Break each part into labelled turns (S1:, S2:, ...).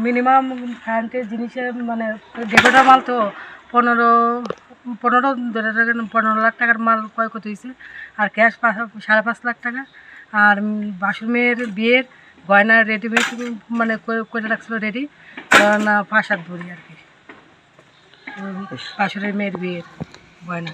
S1: Minimum কারেন্টের জিনিসের মানে ডেকোরেটর মাল তো 15 লাখ টাকার মাল ক্ষয়ক্ষতি হয়েছে। আর ক্যাশ 5.5 লাখ টাকা। আর বাসুর মেয়ের বিয়ের গয়না রেডিমেড মানে করে রাখছিল রেডি, না 5-7 ভরি আর কি বাসুরের মেয়ের বিয়ের গয়না।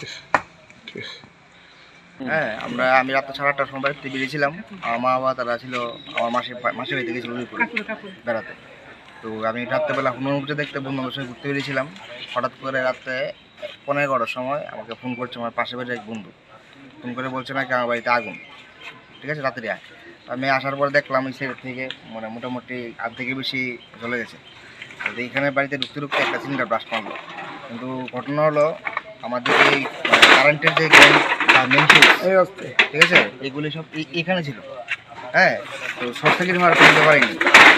S2: হ্যাঁ, আমি রাত্রে 8:30টার সময় বাড়িতে বেরিয়েছিলাম। আমার মা বাবা তারা ছিল আমার মাসির বাড়িতে গেছিল উদয়পুরে বেড়াতে। তো আমি রাত্রেবেলা হনুমান দেখতে বন্ধুদের সঙ্গে ঘুরতে বেরিয়েছিলাম। হঠাৎ করে রাত্রে 11:15টার সময় আমাকে ফোন করছে আমার পাশের বাড়ির এক বন্ধু। ফোন করে বলছে নাকি আমার বাড়িতে আগুন, ঠিক আছে, রাত্রে আয়। আমি আসার পর দেখলাম এই সাইড থেকে মানে মোটামুটি আধ থেকে বেশি জ্বলে গেছে। তো এইখানে বাড়িতে ঢুকতে একটা সিলিন্ডার ব্লাস্ট মারলো। কিন্তু ঘটনা হলো আমাদের এই কারেন্টের যে মেন সুইচ, ঠিক আছে, এগুলি সব এখানে ছিল। হ্যাঁ, তো শর্ট সার্কিট হওয়ার করতে পারিনি।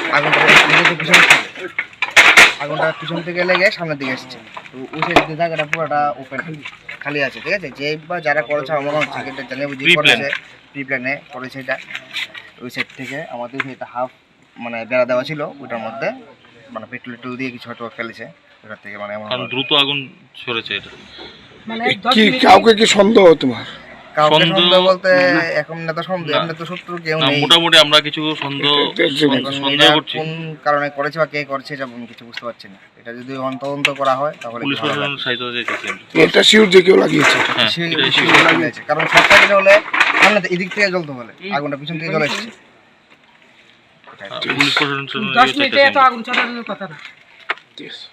S2: আগুনটা পিছন থেকে লেগে সামনের দিকে এসেছে। তো ওই সাইড জায়গাটা পুরোটা ওপেন খালি আছে, ঠিক আছে। যে বা যারা করেছে আমার মনে হচ্ছে এটা জানিয়ে বুঝি করেছে, প্রি প্ল্যানে করেছে এটা। ওই সাইড থেকে আমাদের এটা হাফ মানে বেড়া দেওয়া ছিল, ওইটার মধ্যে মানে পেট্রোল দিয়ে কিছু হয়তো ফেলেছে ওটার থেকে, মানে
S3: দ্রুত আগুন ছড়েছে এটা।
S1: মানে
S4: কাউকে কি সন্দেহ তোমার?
S2: কাউকে সন্দেহ বলতে এখন না তো সন্দেহ, এমনি তো শত্রু কেউ নেই।
S3: মোটামুটি আমরা কিছু সন্দেহ করছি।
S2: কোন কারণে করেছে বা কে করেছে এটা আমি কিছু বুঝতে পারছি না। এটা যদি তদন্ত করা হয় তাহলে
S3: পুলিশ প্রশাসন সাহায্য চাইছি।
S4: এটা শিওর যে কেউ লাগিয়েছে,
S2: কারণ শর্ট সার্কিট হলে সামনে এদিক থেকে জ্বলতে হলে আগুনটা পিছন থেকে জ্বলে এসেছে।
S3: পুলিশ প্রশাসন
S1: 10 মিনিটে এত আগুন ছড়ানোর কথা না।